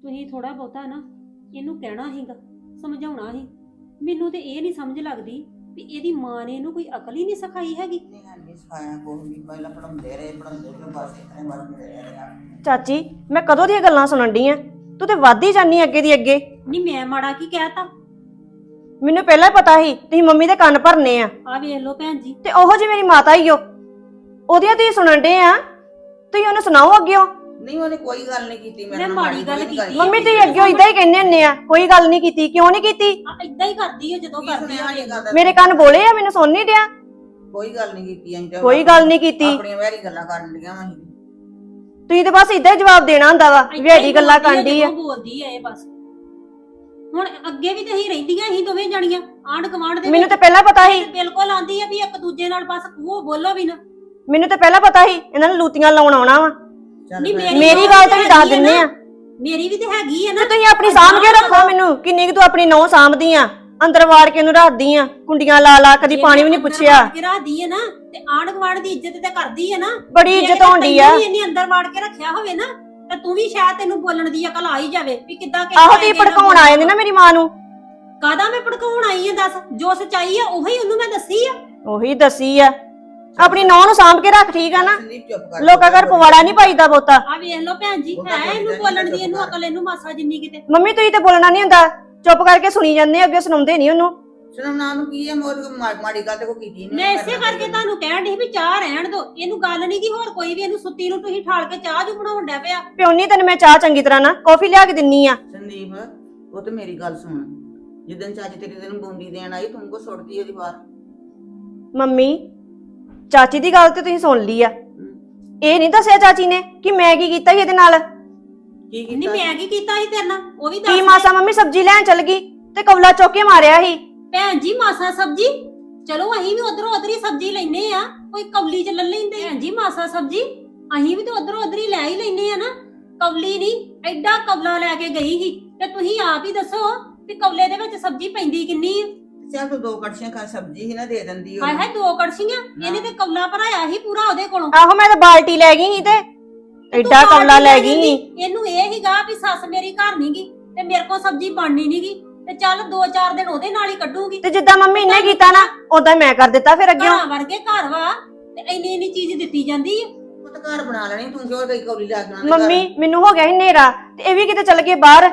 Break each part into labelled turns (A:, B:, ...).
A: ਤੁਸੀਂ ਥੋੜਾ ਬਹੁਤਾ ਨਾ ਇਹਨੂੰ ਕਹਿਣਾ ਸੀਗਾ, ਸਮਝਾਉਣਾ ਸੀ। ਮੈਨੂੰ ਤੇ ਇਹ ਨਹੀਂ ਸਮਝ ਲੱਗਦੀ ਵੀ ਇਹਦੀ ਮਾਂ ਨੇ ਇਹਨੂੰ ਕੋਈ ਅਕਲ ਹੀ ਨਹੀਂ ਸਿਖਾਈ ਹੈਗੀ।
B: ਨਹੀਂ ਸਿਖਾਇਆ ਕੋਈ ਵੀ, ਪਹਿਲਾਂ ਪੜਾਉਂਦੇ ਰਹੇ ਬਸ ਇਤਨੇ ਵਾਰ ਮਿਲੇ ਰਹੇ ਆ।
C: ਚਾਚੀ ਮੈਂ ਕਦੋਂ ਦੀਆਂ ਗੱਲਾਂ ਸੁਣਨ ਡਈ ਆ, ਤੂੰ ਤੇ ਵੱਧ ਹੀ ਜਾਨੀ ਅੱਗੇ ਦੀ ਅੱਗੇ।
A: ਨਹੀਂ ਮੈਂ ਮਾੜਾ ਕੀ ਕਹਿਤਾ?
C: ਮੈਨੂੰ ਪਹਿਲਾਂ ਹੀ ਪਤਾ ਸੀ ਤੁਸੀਂ ਮੰਮੀ ਦੇ ਕੰਨ ਭਰਨੇ ਆ।
A: ਆ ਵੇਖ ਲਓ ਭੈਣ ਜੀ,
C: ਤੇ ਉਹੋ ਜੀ ਮੇਰੀ ਮਾਤਾ ਹੀ ਓ, ਉਹਦੀਆਂ ਤੁਸੀਂ ਸੁਣਨ ਡੇ ਆ, ਤੁਸੀਂ ਉਹਨੂੰ ਸੁਣਾਓ ਅੱਗਿਓ।
B: ਨਹੀਂ ਉਹਨੇ ਕੋਈ ਗੱਲ ਨਹੀਂ ਕੀਤੀ
A: ਮੈਂ ਮਾੜੀ ਗੱਲ ਕੀਤੀ।
C: ਮੰਮੀ ਤੁਸੀਂ ਅੱਗਿਓ ਇਦਾਂ ਹੀ ਕਹਿੰਦੇ ਹੁੰਦੇ ਆ, ਕੋਈ ਗੱਲ ਨਹੀਂ ਕੀਤੀ। ਕਿਉਂ ਨਹੀਂ ਕੀਤੀ?
A: ਇਦਾਂ ਹੀ ਕਰਦੀ ਹੈ ਜਦੋਂ ਕਰਦੀ ਆ।
C: ਮੇਰੇ ਕੰਨ ਬੋਲੇ ਆ, ਮੈਨੂੰ ਸੁਣ ਨਹੀਂ ਡਿਆ।
B: ਕੋਈ ਗੱਲ ਨਹੀਂ ਕੀਤੀ ਅਸੀਂ ਤਾਂ
C: ਕੋਈ ਗੱਲ ਨਹੀਂ ਕੀਤੀ।
B: ਆਪਣੀਆਂ ਵੈਰੀ ਗੱਲਾਂ ਕਰਨ ਲੀਆਂ ਅਸੀਂ।
C: ਤੁਸੀਂ ਤੇ ਬਸ ਇਦਾਂ ਹੀ ਜਵਾਬ ਦੇਣਾ ਹੁੰਦਾ ਵਾ, ਵੇੜੀ ਗੱਲਾਂ ਕਰਦੀ ਆ।
A: ਬੋਲਦੀ ਆ ਇਹ ਬਸ। ਹੁਣ ਅੱਗੇ ਵੀ ਤੇ ਹੀ ਰਹਿੰਦੀਆਂ ਸੀ ਦੋਵੇਂ ਜਣੀਆਂ ਆਂਢ ਗੁਆਂਢ ਦੇ।
C: ਮੈਨੂੰ ਤੇ ਪਹਿਲਾਂ ਪਤਾ ਸੀ,
A: ਬਿਲਕੁਲ ਆਂਦੀ ਆ ਵੀ ਇੱਕ ਦੂਜੇ ਨਾਲ ਬਸ ਉਹ ਬੋਲੋ ਵੀ ਨਾ।
C: ਮੈਨੂੰ ਤੇ ਪਹਿਲਾਂ ਪਤਾ ਸੀ ਇਹਨਾਂ ਨੂੰ ਲੂਤੀਆਂ ਲਾਉਣ ਆਉਣਾ ਵਾ।
A: ਨਹੀਂ
C: ਮੇਰੀ ਗੱਲ ਤੇ ਵੀ ਦੱਸ ਦਿੰਨੇ ਆ।
A: ਮੇਰੀ ਵੀ ਤੇ ਹੈਗੀ ਆ ਨਾ।
C: ਤੁਸੀਂ ਆਪਣੀ ਸਾਂਭ ਕੇ ਰੱਖੋ। ਮੈਨੂੰ ਕਿੰਨੀ ਕੁ ਤੂੰ ਆਪਣੀ ਨੌਂ ਸਾਂਭਦੀ ਆ, ਅੰਦਰ ਵਾੜ ਕੇ ਉਹਨੂੰ ਰੱਖਦੀ ਆ, ਕੁੰਡੀਆਂ ਲਾ ਲਾ, ਕਦੀ ਪਾਣੀ ਵੀ ਨਹੀਂ ਪੁੱਛਿਆ।
A: ਰੱਖਦੀ ਆ ਨਾ ਤੇ ਆਂਢ ਗੁਆਂਢ ਦੀ ਇੱਜ਼ਤ ਤੇ ਕਰਦੀ ਆ ਨਾ।
C: ਬੜੀ ਇੱਜ਼ਤ ਹੋਣੀ ਆ।
A: ਇਹਨੇ ਅੰਦਰ ਵਾੜ ਕੇ ਰੱਖਿਆ ਹੋਵੇ ਨਾ ਤੇ ਤੂੰ ਵੀ ਸ਼ਾਇਦ ਤੈਨੂੰ ਬੋਲਣ ਦੀ ਅਕਲ ਆ ਹੀ ਜਾਵੇ ਵੀ ਕਿੱਦਾਂ
C: ਆਹੋ ਤੇ ਭੜਕਾਉਣ ਆਏ ਨੇ ਨਾ ਮੇਰੀ ਮਾਂ ਨੂੰ।
A: ਕਾਹਦਾ ਮੈਂ ਭੜਕਾਉਣ ਆਈ ਆ? ਦੱਸ, ਜੋ ਸੱਚਾਈ ਆ ਉਹੀ ਉਹਨੂੰ ਮੈਂ ਦੱਸੀ ਆ।
C: ਉਹੀ ਦੱਸੀ ਆ। ਆਪਣੀ ਨੌਂ ਨੂੰ ਸਾਂਭ ਕੇ ਰੱਖ, ਠੀਕ ਆ ਨਾ?
B: ਚੁੱਪ ਕਰ।
C: ਲੋਕਾਂ ਘਰ ਪਵਾੜਾ ਨਹੀਂ ਪਾਈਦਾ ਬਹੁਤਾ।
A: ਆ ਵੇਖ ਲਓ ਭੈਣ ਜੀ, ਹੈ ਇਹਨੂੰ ਬੋਲਣ ਦੀ ਇਹਨੂੰ ਅਕਲ, ਇਹਨੂੰ ਮਾਸਾ ਜਿੰਨੀ ਕਿਤੇ।
C: ਮੰਮੀ ਤੁਸੀਂ ਤੇ ਬੋਲਣਾ ਨਹੀਂ ਹੁੰਦਾ, ਚੁੱਪ ਕਰਕੇ ਸੁਣੀ ਜਾਂਦੇ, ਅੱਗੇ ਸੁਣਾਉਂਦੇ ਨਹੀਂ ਉਹਨੂੰ।
B: ਸੁਣਨਾ ਨੂੰ ਕੀ ਹੈ, ਮਾੜੀ ਗੱਲ ਤੇ ਕੋਈ ਕੀਤੀ ਨਹੀਂ।
A: ਮੈਂ ਇਸੇ ਕਰਕੇ ਤੁਹਾਨੂੰ ਕਹਿਣ ਡਈ ਵੀ ਚਾਹ ਰਹਿਣ ਦੋ, ਇਹਨੂੰ ਗੱਲ ਨਹੀਂ ਕੀ ਹੋਰ ਕੋਈ ਵੀ। ਇਹਨੂੰ ਸੁੱਤੀ ਨੂੰ ਤੁਸੀਂ ਠਾਲ ਕੇ ਚਾਹ ਜੂ ਬਣਾਉਣ ਡਿਆ ਪਿਆ।
C: ਪਿਉਣੀ ਤੈਨੂੰ ਮੈਂ ਚਾਹ ਚੰਗੀ ਤਰ੍ਹਾਂ ਨਾ ਕੌਫੀ ਲਿਆ ਕੇ ਦਿੰਨੀ ਆ।
B: ਸੰਦੀਪ ਉਹ ਤੇ ਮੇਰੀ ਗੱਲ ਸੁਣ, ਜਿੱਦਣ ਚਾਚੀ ਤੇਰੀ ਦਿਨ ਬੂੰਦੀ ਦੇਣ ਆਈ ਤੂੰ ਕੋ ਸੁੱਟਦੀ ਉਹਦੀ ਬਾਹਰ।
C: ਮੰਮੀ ਚਾਚੀ ਦੀ ਗੱਲ ਤੇ ਤੁਸੀਂ ਸੁਣ ਲਈ ਆ, ਇਹ ਨਹੀਂ ਦੱਸਿਆ ਚਾਚੀ ਨੇ ਕਿ ਮੈਂ ਕੀ ਕੀਤਾ ਸੀ ਇਹਦੇ ਨਾਲ।
B: ਕੀ
A: ਨਹੀਂ
B: ਕੀਤਾ?
A: ਮੈਂ ਕੀ ਕੀਤਾ ਸੀ ਤੇਰੇ ਨਾਲ ਉਹ ਵੀ
C: ਕੀ
A: ਦੱਸ।
C: ਮਾਸਾ ਮੰਮੀ ਸਬਜ਼ੀ ਲੈਣ ਚਲ ਗਈ ਤੇ ਕਵਲਾ ਚੁੱਕ ਕੇ ਮਾਰਿਆ ਸੀ।
A: ਭੈਣ ਜੀ ਮਾਸਾ ਸਬਜ਼ੀ, ਚਲੋ ਅਸੀਂ ਵੀ ਉਧਰੋਂ ਉਧਰੀ ਸਬਜ਼ੀ ਲੈਨੇ ਆ, ਕੋਈ ਕਵਲੀ ਚ ਲੈ ਲੈਂਦੇ। ਭੈਣ ਜੀ ਮਾਸਾ ਸਬਜ਼ੀ ਅਸੀਂ ਵੀ ਤਾਂ ਉਧਰੋਂ ਉਧਰੀ ਲੈ ਹੀ ਲੈਨੇ ਆ ਨਾ। ਕਵਲੀ ਨਹੀਂ, ਐਡਾ ਕਵਲਾ ਲੈ ਕੇ ਗਈ ਸੀ। ਤੇ ਤੁਸੀਂ ਆਪ ਹੀ ਦੱਸੋ ਵੀ ਕਵਲੇ ਦੇ ਵਿੱਚ ਸਬਜ਼ੀ ਪੈਂਦੀ ਕਿੰਨੀ ਆ?
B: ਚੱਲ ਤੂੰ 2 ਕੜਛੀਆਂ ਖਾ ਸਬਜ਼ੀ ਹੀ ਨਾ ਦੇ ਦਿੰਦੀ
A: ਹਾਏ ਹਾਏ 2 ਕੜਛੀਆਂ, ਇਹਨੇ ਤੇ ਕਵਲਾ ਭਰਾਇਆ ਸੀ ਪੂਰਾ ਉਹਦੇ ਕੋਲੋਂ।
C: ਆਹੋ ਮੈਂ ਤਾਂ ਬਾਲਟੀ ਲੈ ਗਈ ਸੀ ਤੇ ਐਡਾ ਕਵਲਾ ਲੈ ਗਈ ਸੀ।
A: ਇਹਨੂੰ ਇਹ ਹੀਗਾ ਵੀ ਸੱਸ ਮੇਰੀ ਘਰ ਨੀ ਗੀ ਤੇ ਮੇਰੇ ਕੋਲ ਸਬਜ਼ੀ ਬਣਨੀ ਨੀ ਗੀ ਤੇ ਚੱਲ 2-4 ਦਿਨ ਉਹਦੇ ਨਾਲ ਹੀ ਕੱਢੂਗੀ।
C: ਤੇ ਜਿੱਦਾਂ ਮੰਮੀ ਨੇ ਕੀਤਾ ਨਾ ਉਦਾਂ ਮੈਂ ਕਰ ਦਿੱਤਾ ਫਿਰ ਅੱਗੇ।
A: ਘਰਾਂ ਵਰਗੇ ਘਰ ਵਾ ਤੇ ਇੰਨੀ ਚੀਜ਼ ਦਿੱਤੀ ਜਾਂਦੀ ਆ।
B: ਉਹ ਤਾਂ ਘਰ ਬਣਾ ਲੈਣੀ, ਤੂੰ ਕਿਉਂ ਗਈ ਕੌਲੀ ਲਾ ਕੇ?
C: ਮੰਮੀ ਮੈਨੂੰ ਹੋ ਗਿਆ ਸੀ ਹਨੇਰਾ ਤੇ ਇਹ ਵੀ ਕਿਤੇ ਚੱਲ ਗਏ ਬਾਹਰ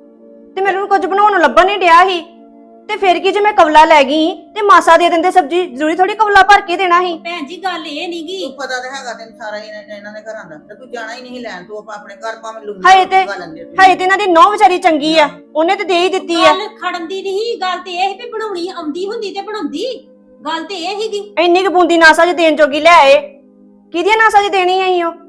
C: ਤੇ ਮੈਨੂੰ ਕੁਝ ਬਣਾਉਣ ਨੂੰ ਲੱਭਣ ਨਹੀਂ ਡਿਆ ਸੀ। ਤੇ ਫਿਰ ਕੀ ਜੇ ਮੈਂ ਕਵਲਾ ਲੈ ਗਈ ਤੇ ਮਾਸਾ ਦੇ ਦਿੰਦੇ ਸਬਜ਼ੀ, ਜ਼ਰੂਰੀ ਥੋੜੀ ਕਵਲਾ ਭਰ ਕੇ ਦੇਣਾ ਸੀ।
A: ਭੈਣ ਜੀ ਗੱਲ ਇਹ ਨੀ ਗੀ।
B: ਤੂੰ ਪਤਾ ਤਾਂ ਹੈਗਾ ਤੈਨੂੰ ਸਾਰਾ ਇਹਨਾਂ ਦੇ ਘਰਾਂ ਦਾ, ਤੇ ਤੂੰ ਜਾਣਾ ਹੀ ਨਹੀਂ ਲੈਣ। ਤੂੰ ਆਪਣੇ ਘਰ ਭਾਵੇਂ ਲੂੰਗੀ
C: ਹਾਏ ਤੇ ਇਹਨਾਂ ਦੀ ਨੌ ਵਿਚਾਰੀ ਚੰਗੀ ਆ, ਉਹਨੇ ਤੇ ਦੇ ਹੀ ਦਿੱਤੀ ਆ।
A: ਗੱਲ ਖੜਨ ਦੀ ਨਹੀਂ, ਗੱਲ ਤੇ ਇਹ ਵੀ ਬਣਾਉਣੀ ਆਉਂਦੀ ਹੁੰਦੀ ਤੇ ਬਣਾਉਂਦੀ। ਗੱਲ ਤੇ ਇਹ ਹੀਗੀ।
C: ਇੰਨੀ ਕੁ ਬੂੰਦੀ ਨਾਸਾ ਚ ਦੇਣ ਜੋਗੀ ਲੈ ਆਏ, ਕਿਹਦੀਆਂ ਨਾਸਾ ਚ ਦੇਣੀ ਆਈ ਉਹ?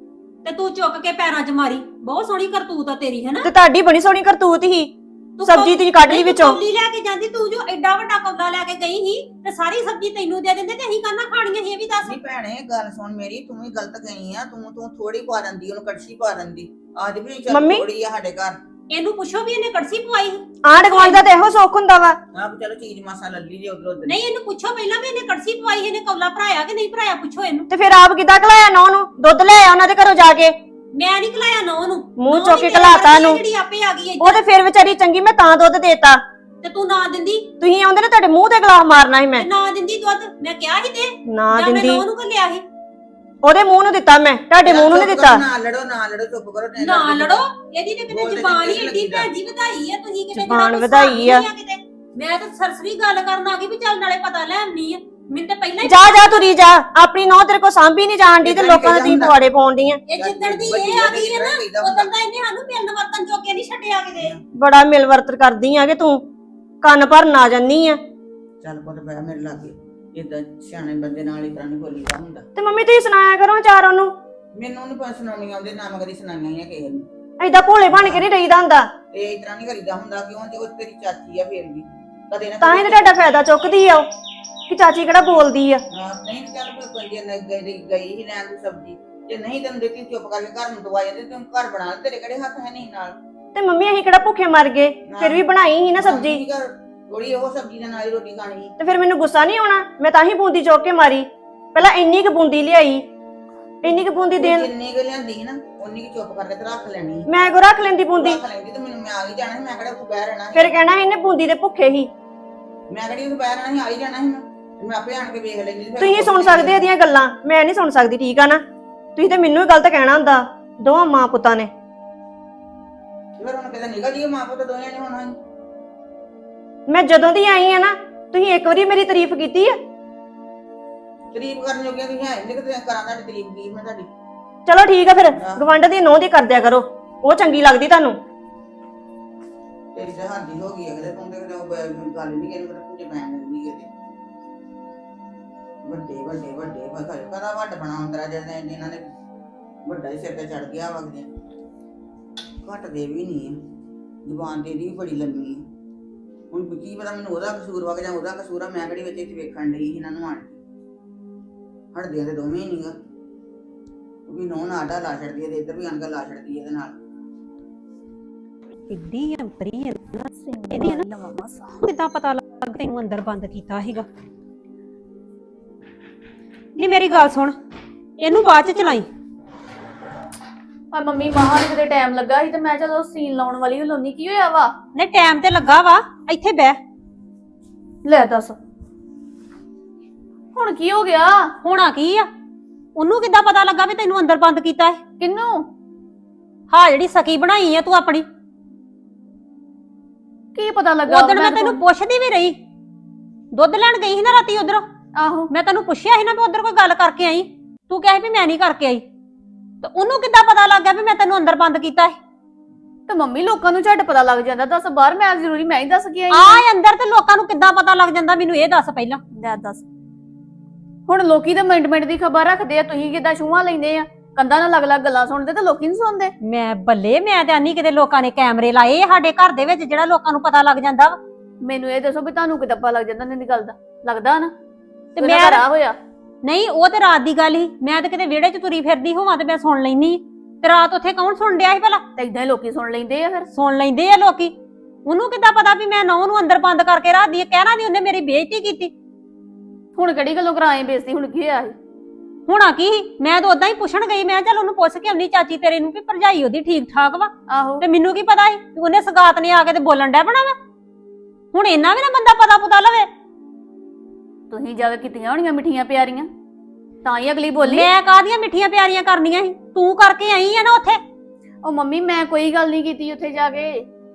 A: ਤੇ ਤੂੰ ਚੁੱਕ ਕੇ ਪੈਰਾਂ 'ਚ ਮਾਰੀ। ਬਹੁਤ ਸੋਹਣੀ ਕਰਤੂਤ ਆ ਤੇਰੀ, ਹੈਨਾ?
C: ਤੇ ਤੁਹਾਡੀ ਬੜੀ ਸੋਹਣੀ ਕਰਤੂਤ ਹੀ। ਸਬਜ਼ੀ ਤੁਸੀਂ ਕੱਢ ਲਈ ਵਿੱਚੋਂ।
A: ਕੌਲੀ ਲੈ ਕੇ ਜਾਂਦੀ, ਤੂੰ ਜੋ ਐਡਾ ਵੱਡਾ ਕੌਲਾ ਲੈ ਕੇ ਗਈ ਸੀ ਤੇ ਸਾਰੀ ਸਬਜ਼ੀ ਤੈਨੂੰ ਦੇ ਦਿੰਦੇ ਤੇ ਅਸੀਂ ਕਾਹਨਾਂ ਖਾਣੀਆਂ ਸੀ? ਇਹ ਵੀ ਦੱਸ।
B: ਨਹੀਂ ਭੈਣੇ ਗੱਲ ਸੁਣ ਮੇਰੀ, ਤੂੰ ਵੀ ਗਲਤ ਗਈ ਆ। ਤੂੰ ਥੋੜੀ ਪਾ ਦਿੰਦੀ, ਉਹਨੂੰ ਕੜਛੀ ਪਾ ਦਿੰਦੀ। ਆਜ ਵੀ ਚੱਲ ਥੋੜੀ ਆ ਸਾਡੇ ਘਰ।
A: ਇਹਨੂੰ ਪੁੱਛੋ ਵੀ ਇਹਨੇ ਕੜਛੀ ਪਵਾਈ?
C: ਆਂਢ ਗੁਆਂਢ ਦਾ ਤੇ ਇਹੋ ਸੁੱਖ ਹੁੰਦਾ ਵਾ।
B: ਆਪ ਚਲੋ ਚੀਜ਼ ਮਾਸਾ ਲੱਲੀ ਜੇ ਉਧਰ ਉਧਰ।
A: ਨਹੀਂ ਇਹਨੂੰ ਪੁੱਛੋ ਪਹਿਲਾਂ ਵੀ ਇਹਨੇ ਕੜਛੀ ਪਵਾਈ, ਇਹਨੇ ਕੌਲਾ ਭਰਾਇਆ ਕਿ ਨਹੀਂ ਭਰਾਇਆ? ਪੁੱਛੋ ਇਹਨੂੰ।
C: ਤੇ ਫਿਰ ਆਪ ਕਿੱਦਾਂ ਘਲਾਇਆ ਨੌ ਨੂੰ? ਦੁੱਧ ਲੈ ਆ ਉਹਨਾਂ ਦੇ ਘਰੋਂ ਜਾ ਕੇ।
A: ਮੈਂ ਨਹੀਂ ਘਲਾਇਆ ਨੌ ਨੂੰ,
C: ਮੂੰਹ ਚੁੱਕ ਕੇ ਘਲਾਤਾ ਨੂੰ।
A: ਜਿਹੜੀ ਆਪੇ ਆ ਗਈ
C: ਉਹ ਤੇ ਫਿਰ ਵਿਚਾਰੀ ਚੰਗੀ, ਮੈਂ ਤਾਂ ਦੁੱਧ ਦੇਤਾ।
A: ਤੇ ਤੂੰ ਨਾ ਦਿੰਦੀ?
C: ਤੁਸੀਂ ਆਉਂਦੇ ਨੇ ਤੁਹਾਡੇ ਮੂੰਹ ਤੇ ਗਲਾਸ ਮਾਰਨਾ ਸੀ ਮੈਂ।
A: ਨਾ ਦਿੰਦੀ ਦੁੱਧ, ਮੈਂ ਕਿਹਾ ਸੀ ਤੇ
C: ਨਾ ਦਿੰਦੀ।
A: ਮੈਂ ਨੌ ਨੂੰ ਘੱਲਿਆ ਸੀ।
C: ਉਹਦੇ ਮੂੰਹ ਨੂੰ ਦਿੱਤਾ ਮੈਂ, ਤੁਹਾਡੇ ਮੂੰਹ ਨੂੰ ਨਹੀਂ ਦਿੱਤਾ।
B: ਨਾ ਲੜੋ ਚੁੱਪ ਕਰੋ।
A: ਨਾ ਲੜੋ, ਇਹਦੀ ਤੇ ਕਿਤੇ ਜ਼ਬਾਨ ਹੀ ਏਡੀ ਭੈਜੀ ਵਧਾਈ ਆ ਤੁਸੀਂ ਕਿਤੇ।
C: ਜ਼ਬਾਨ ਵਧਾਈ ਆ।
A: ਮੈਂ ਤਾਂ ਸਰਸਰੀ ਗੱਲ ਕਰਨ ਆ ਗਈ ਵੀ ਚੱਲ ਨਾਲੇ ਪਤਾ ਲੈ ਆਉਣੀ ਆ। ਮੈਨੂੰ ਤਾਂ ਪਹਿਲਾਂ ਹੀ
C: ਜਾ ਤੁਰੀ ਜਾ, ਆਪਣੀ ਨੌ ਤੇਰੇ ਕੋ ਸਾਂਭੀ ਨਹੀਂ ਜਾਣ ਦੀ ਤੇ ਲੋਕਾਂ ਦੇ ਤੁਸੀਂ ਪਵਾੜੇ ਪਾਉਣ ਦੀ ਆ।
A: ਇਹ ਜਿੱਦਣ ਦੀ ਇਹ ਆ ਗਈ ਹੈ ਨਾ, ਉਦੋਂ ਦਾ ਇਹਨੇ ਸਾਨੂੰ ਮਿਲਣ ਵਰਤਨ ਜੋਗੇ ਨਹੀਂ ਛੱਡਿਆ ਕਿਤੇ।
C: ਬੜਾ ਮਿਲ ਵਰਤ ਕਰਦੀ ਆ ਕਿ ਤੂੰ ਕੰਨ ਭਰਨ ਆ ਜੰਨੀ ਆ।
B: ਚੱਲ ਪੁੱਤ ਬੈ ਮੇਰੇ ਲਾਗੇ, ਇਦਾਂ ਸਿਆਣੇ ਬੰਦੇ ਨਾਲ ਹੀ ਤਰ੍ਹਾਂ ਨਹੀਂ ਬੋਲੀਦਾ ਹੁੰਦਾ।
C: ਤੇ ਮੰਮੀ ਤੁਸੀਂ ਸੁਣਾਇਆ ਕਰੋ ਚਾਰ ਉਹਨੂੰ।
B: ਮੈਨੂੰ ਨਹੀਂ ਪਤਾ ਸੁਣਾਉਣੀ ਆਉਂਦੇ, ਨਾ ਮੈਂ ਕਦੀ ਸੁਣਾਈਆਂ ਆ ਕਿਸੇ ਨੂੰ।
C: ਏਦਾਂ ਭੋਲੇ ਬਣ ਕੇ ਨਹੀਂ ਰਹੀਦਾ ਹੁੰਦਾ।
B: ਇਹ ਇਸ ਤਰ੍ਹਾਂ ਨਹੀਂ ਕਰੀਦਾ ਹੁੰਦਾ। ਕਿਉਂ? ਜੇ ਉਹ ਤੇਰੀ ਚਾਚੀ ਆ ਫੇਰ ਵੀ ਕਦੇ ਨਾ
C: ਤਾਂ ਹੀ ਤੇ ਤੁਹਾਡਾ ਫਾਇਦਾ ਚੁੱਕਦੀ ਆ ਉਹ ਕਿ ਚਾਚੀ ਕਿਹੜਾ ਬੋਲਦੀ ਆ।
B: ਨਹੀਂ ਚੱਲ ਕੋਈ ਗਈ ਹੀ ਲੈਣ ਦੀ ਸਬਜ਼ੀ, ਜੇ ਨਹੀਂ ਤੈਨੂੰ ਦਿੱਤੀ ਚੁੱਪ ਕਰਕੇ ਘਰ ਨੂੰ ਦਵਾ ਜਾਂਦੇ। ਤੂੰ ਘਰ ਬਣਾ, ਤੇਰੇ ਕਿਹੜੇ ਹੱਥ ਹੈ ਨਹੀਂ ਨਾਲ।
C: ਤੇ ਮੰਮੀ ਅਸੀਂ ਕਿਹੜਾ ਭੁੱਖੇ ਮਰ ਗਏ, ਫਿਰ ਵੀ ਬਣਾਈ ਸੀ ਨਾ ਸਬਜ਼ੀ।
B: ਥੋੜੀ ਉਹ ਸਬਜ਼ੀ ਦੇ ਨਾਲ ਹੀ ਰੋਟੀ ਖਾਣੀ।
C: ਤੇ ਫਿਰ ਮੈਨੂੰ ਗੁੱਸਾ ਨਹੀਂ ਆਉਣਾ? ਮੈਂ ਤਾਂ ਹੀ ਬੂੰਦੀ ਚੁੱਕ ਕੇ ਮਾਰੀ। ਪਹਿਲਾਂ ਇੰਨੀ ਕੁ ਬੂੰਦੀ ਲਿਆਈ, ਇੰਨੀ ਕੁ ਬੂੰਦੀ ਦੇਣ।
B: ਜਿੰਨੀ ਕੁ ਲਿਆਂਦੀ ਨਾ ਉਨੀ ਕੀ ਚੁੱਪ ਕਰਕੇ ਤੇ ਰੱਖ ਲੈਣੀ ਸੀ।
C: ਮੈਂ ਕੋ ਰੱਖ ਲੈਂਦੀ ਬੂੰਦੀ,
B: ਰੱਖ ਲੈਂਦੀ ਤੇ ਮੈਨੂੰ ਮੈਂ ਆ ਹੀ ਜਾਣਾ ਸੀ, ਮੈਂ ਕਿਹੜਾ ਉੱਥੇ ਬਹਿ ਰਹਿਣਾ ਸੀ।
C: ਫਿਰ ਕਹਿਣਾ ਸੀ ਇਹਨੇ ਬੂੰਦੀ ਦੇ ਭੁੱਖੇ ਹੀ।
B: ਮੈਂ ਕਿਹੜੀ ਉੱਥੇ ਬਹਿ ਰਹਿਣਾ ਸੀ, ਆ ਹੀ ਜਾਣਾ ਸੀ ਮੈਂ, ਤੇ ਮੈਂ ਆਪੇ ਆਣ ਕੇ ਵੇਖ ਲੈਂਦੀ ਤੇ ਫਿਰ
C: ਤੁਸੀਂ ਸੁਣ ਸਕਦੇ ਇਹਦੀਆਂ ਗੱਲਾਂ, ਮੈਂ ਨਹੀਂ ਸੁਣ ਸਕਦੀ, ਠੀਕ ਆ ਨਾ। ਤੁਸੀਂ ਤੇ ਮੈਨੂੰ ਹੀ ਗਲਤ ਕਹਿਣਾ ਹੁੰਦਾ ਦੋਵਾਂ ਮਾਂ ਪੁੱਤਾਂ ਨੇ।
B: ਫਿਰ ਹੁਣ ਕਿਤੇ ਨਿਕਲ ਜੀਏ ਮਾਂ ਪੁੱਤ ਦੋਵੇਂ ਨੇ ਹੋਣਾ।
C: ਮੈਂ ਜਦੋਂ ਦੀ ਆਈ ਆ ਨਾ, ਤੁਸੀਂ ਇੱਕ ਵਾਰੀ ਮੇਰੀ ਤਾਰੀਫ ਕੀਤੀ ਆ?
B: ਤਾਰੀਫ ਕਰਨ ਜੋਗੀਆਂ ਤੁਸੀਂ ਹੈ ਨਹੀਂ, ਕਿਤੇ ਕਰਾਂ ਤੁਹਾਡੀ ਤਾਰੀਫ ਕੀ ਮੈਂ ਤੁਹਾਡੀ।
C: ਚਲੋ ਠੀਕ ਆ, ਫਿਰ ਗਵੰਡ ਦੀ ਨੋਹ ਦੀ ਕਰ ਦਿਆ ਕਰੋ, ਉਹ ਚੰਗੀ ਲੱਗਦੀ ਤੁਹਾਨੂੰ।
B: ਤੇਰੀ ਤਾਂ ਹਾਦੀ ਹੋ ਗਈ ਹੈ ਕਿਤੇ, ਤੂੰ ਤੇ ਕਿਤੇ ਉਹ ਗੱਲ ਨਹੀਂ ਕਰੀ ਪਰ ਤੁਝੇ ਮੈਂ ਨਹੀਂ ਕਿਤੇ ਵੱਡੇ ਵੱਡੇ ਵੱਡੇ ਫਸਲ ਕਦਾ ਵੱਡ ਬਣਾਉਂਦਾ ਜਿਹਨਾਂ ਨੇ ਵੱਡਾ ਹੀ ਸਿਰ ਤੇ ਚੜ ਗਿਆ ਵਗਦੇ ਘਟਦੇ ਵੀ ਨਹੀਂ ਆ। ਜ਼ੁਬਾਨ ਤੇ ਇਹਦੀ ਵੀ ਬੜੀ ਲੰਮੀ ਹੈ। ਹੁਣ ਕੀ ਪਤਾ ਮੈਨੂੰ ਉਹਦਾ ਕਸੂਰ ਵਗ ਜਾਂ ਉਹਦਾ ਕਸੂਰ ਆ, ਮੈਂ ਕਿਹੜੀ ਵਿੱਚ ਇੱਥੇ ਵੇਖਣ ਡਈ ਇਹਨਾਂ ਨੂੰ ਆਣ ਹਟਦੇ ਤੇ ਦੋਵੇਂ ਹੀ ਨਹੀਂਗਾ। ਉਹ ਵੀ ਨੋਹ ਨਾਡਾ ਲਾ ਛੱਡਦੀ ਹੈ ਤੇ ਇੱਧਰ ਵੀ ਆਣ ਕੇ ਲਾ ਛੱਡਦੀ ਹੈ ਇਹਦੇ ਨਾਲ।
A: ਇੱਡੀ ਅੰਤਰੀ ਹੈ ਨਾ ਇਹਦੀ ਨਾ, ਕਿੱਦਾਂ ਪਤਾ ਲੱਗ ਤੈਨੂੰ ਅੰਦਰ ਬੰਦ ਕੀਤਾ ਸੀਗਾ? ਨਹੀਂ ਮੇਰੀ ਗੱਲ ਸੁਣ, ਇਹਨੂੰ ਬਾਅਦ ਚ ਚਲਾਈ।
D: ਆ ਮੰਮੀ ਬਾਹਰ ਕਿਤੇ ਟਾਈਮ ਲੱਗਾ ਸੀ ਤੇ ਮੈਂ ਚਲੋ ਸੀਨ ਲਾਉਣ ਵਾਲੀ ਲਾਉਣੀ, ਕੀ ਹੋਇਆ ਵਾ?
A: ਨਹੀਂ ਟਾਈਮ ਤੇ ਲੱਗਾ ਵਾ, ਇੱਥੇ ਬਹਿ।
D: ਲੈ ਦੱਸ ਹੁਣ ਕੀ ਹੋ ਗਿਆ?
A: ਹੋਣਾ ਕੀ ਆ? ਉਹਨੂੰ ਕਿੱਦਾਂ ਪਤਾ ਲੱਗਾ ਵੀ ਤੈਨੂੰ ਅੰਦਰ ਬੰਦ ਕੀਤਾ ਹੈ?
D: ਕਿੰਨੂੰ?
A: ਹਾਂ ਜਿਹੜੀ ਸਕੀ ਬਣਾਈ ਆ ਤੂੰ ਆਪਣੀ।
D: ਕੀ ਪਤਾ ਲੱਗਾ?
A: ਉਦੋਂ ਮੈਂ ਤੈਨੂੰ ਪੁੱਛਦੀ ਵੀ ਰਹੀ, ਦੁੱਧ ਲੈਣ ਗਈ ਸੀ ਨਾ ਰਾਤੀ ਉਧਰ,
D: ਆਹੋ
A: ਮੈਂ ਤੈਨੂੰ ਪੁੱਛਿਆ ਸੀ ਨਾ ਵੀ ਉਧਰ ਕੋਈ ਗੱਲ ਕਰਕੇ ਆਈ, ਤੂੰ ਕਿਹਾ ਵੀ ਮੈਂ ਨਹੀਂ ਕਰਕੇ ਆਈ। ਤੇ ਉਹਨੂੰ ਕਿੱਦਾਂ ਪਤਾ ਲੱਗ ਗਿਆ ਵੀ ਮੈਂ ਤੈਨੂੰ ਅੰਦਰ ਬੰਦ ਕੀਤਾ ਹੈ?
D: ਤੇ ਮੰਮੀ ਲੋਕਾਂ ਨੂੰ ਝੱਟ ਪਤਾ ਲੱਗ ਜਾਂਦਾ, ਦੱਸ ਬਾਹਰ ਮੈਂ ਜ਼ਰੂਰੀ ਮੈਂ ਹੀ ਦੱਸ ਕੇ ਆਈ
A: ਆ ਅੰਦਰ ਤੇ ਲੋਕਾਂ ਨੂੰ ਕਿੱਦਾਂ ਪਤਾ ਲੱਗ ਜਾਂਦਾ ਮੈਨੂੰ ਇਹ ਦੱਸ ਪਹਿਲਾਂ।
D: ਲੈ ਦੱਸ ਹੁਣ ਲੋਕੀ ਤਾਂ ਮਿੰਟ ਮਿੰਟ ਦੀ ਖਬਰ ਰੱਖਦੇ ਆ, ਤੁਸੀਂ ਕਿੱਦਾਂ ਛੂਹਾਂ ਲੈਂਦੇ ਆ? ਕੰਧਾਂ ਨਾਲ ਅਲੱਗ-ਅਲੱਗ ਗੱਲਾਂ ਸੁਣਦੇ ਤੇ ਲੋਕੀ ਨਹੀਂ ਸੁਣਦੇ।
A: ਮੈਂ ਬੱਲੇ, ਮੈਂ ਤੇ ਆਨੀ ਕਿਤੇ ਲੋਕਾਂ ਨੇ ਕੈਮਰੇ ਲਾਏ ਸਾਡੇ ਘਰ ਦੇ ਵਿੱਚ ਜਿਹੜਾ ਲੋਕਾਂ ਨੂੰ ਪਤਾ ਲੱਗ ਜਾਂਦਾ ਵਾ।
D: ਮੈਨੂੰ ਇਹ ਦੱਸੋ ਵੀ ਤੁਹਾਨੂੰ ਕਿੱਦਾਂ ਪਤਾ ਲੱਗ ਜਾਂਦਾ ਇਹਨਾਂ ਗੱਲ ਦਾ? ਲੱਗਦਾ ਨਾ
A: ਤੇ
D: ਮੈਂ ਰਾਹ ਹੋਇਆ।
A: ਨਹੀਂ ਉਹ ਤੇ ਰਾਤ ਦੀ ਗੱਲ ਸੀ, ਮੈਂ ਤੇ ਕਿਤੇ ਵਿਹੜੇ 'ਚ ਤੁਰੀ ਫਿਰਦੀ ਹੋਵਾਂ ਤੇ ਮੈਂ ਸੁਣ ਲੈਣੀ। ਤੇ ਰਾਤ ਉੱਥੇ ਕੌਣ ਸੁਣ ਡਿਆ ਸੀ ਭਲਾ?
D: ਤੇ ਇਦਾਂ ਹੀ ਲੋਕੀ ਸੁਣ ਲੈਂਦੇ ਆ, ਫਿਰ
A: ਸੁਣ ਲੈਂਦੇ ਆ ਲੋਕੀ। ਉਹਨੂੰ ਕਿੱਦਾਂ ਪਤਾ ਵੀ ਮੈਂ ਨੌਂ ਨੂੰ ਅੰਦਰ ਬੰਦ ਕਰਕੇ ਰੱਖਦੀ ਆ? ਕਹਿਣਾ ਦੀ ਉਹਨੇ ਮੇਰੀ ਬੇਇੱਜ਼ਤੀ ਕੀਤੀ।
D: ਹੁਣ ਕਿਹੜੀ ਗੱਲੋਂ ਕਰਾਏ ਬੇਇੱਜ਼ਤੀ? ਹੁਣ ਕੀ ਹੋਇਆ?
A: ਹੋਣਾ ਕੀ ਸੀ? ਮੈਂ ਤਾਂ ਉਦਾਂ ਹੀ ਪੁੱਛਣ ਗਈ, ਮੈਂ ਚੱਲ ਉਹਨੂੰ ਪੁੱਛ ਕੇ ਆਉਣੀ ਚਾਚੀ ਤੇਰੇ ਨੂੰ ਵੀ ਭਰਜਾਈ ਉਹਦੀ ਠੀਕ ਠਾਕ ਵਾ।
D: ਆਹੋ
A: ਤੇ ਮੈਨੂੰ ਕੀ ਪਤਾ ਸੀ ਕਿ ਉਹਨੇ ਸਗਾਤ ਨੇ ਆ ਕੇ ਤੇ ਬੋਲਣ ਡਿਆ ਬਣਾ ਵਾ। ਹੁਣ ਇੰਨਾ ਵੀ ਨਾ ਬੰਦਾ ਪਤਾ ਪੁਤਾ ਲਵੇ।
D: ਤੁਸੀਂ ਜਾ ਕੇ ਕੀਤੀਆਂ ਹੋਣੀਆਂ ਮਿੱਠੀਆਂ ਪਿਆਰੀਆਂ, ਤਾਂ ਹੀ ਅਗਲੀ ਬੋਲੀ।
A: ਮੈਂ ਕਾਹਦੀਆਂ ਮਿੱਠੀਆਂ ਪਿਆਰੀਆਂ ਕਰਨੀਆਂ ਸੀ? ਤੂੰ ਕਰਕੇ ਆਈ ਆ ਨਾ ਉੱਥੇ।
D: ਉਹ ਮੰਮੀ ਮੈਂ ਕੋਈ ਗੱਲ ਨਹੀਂ ਕੀਤੀ ਉੱਥੇ ਜਾ ਕੇ,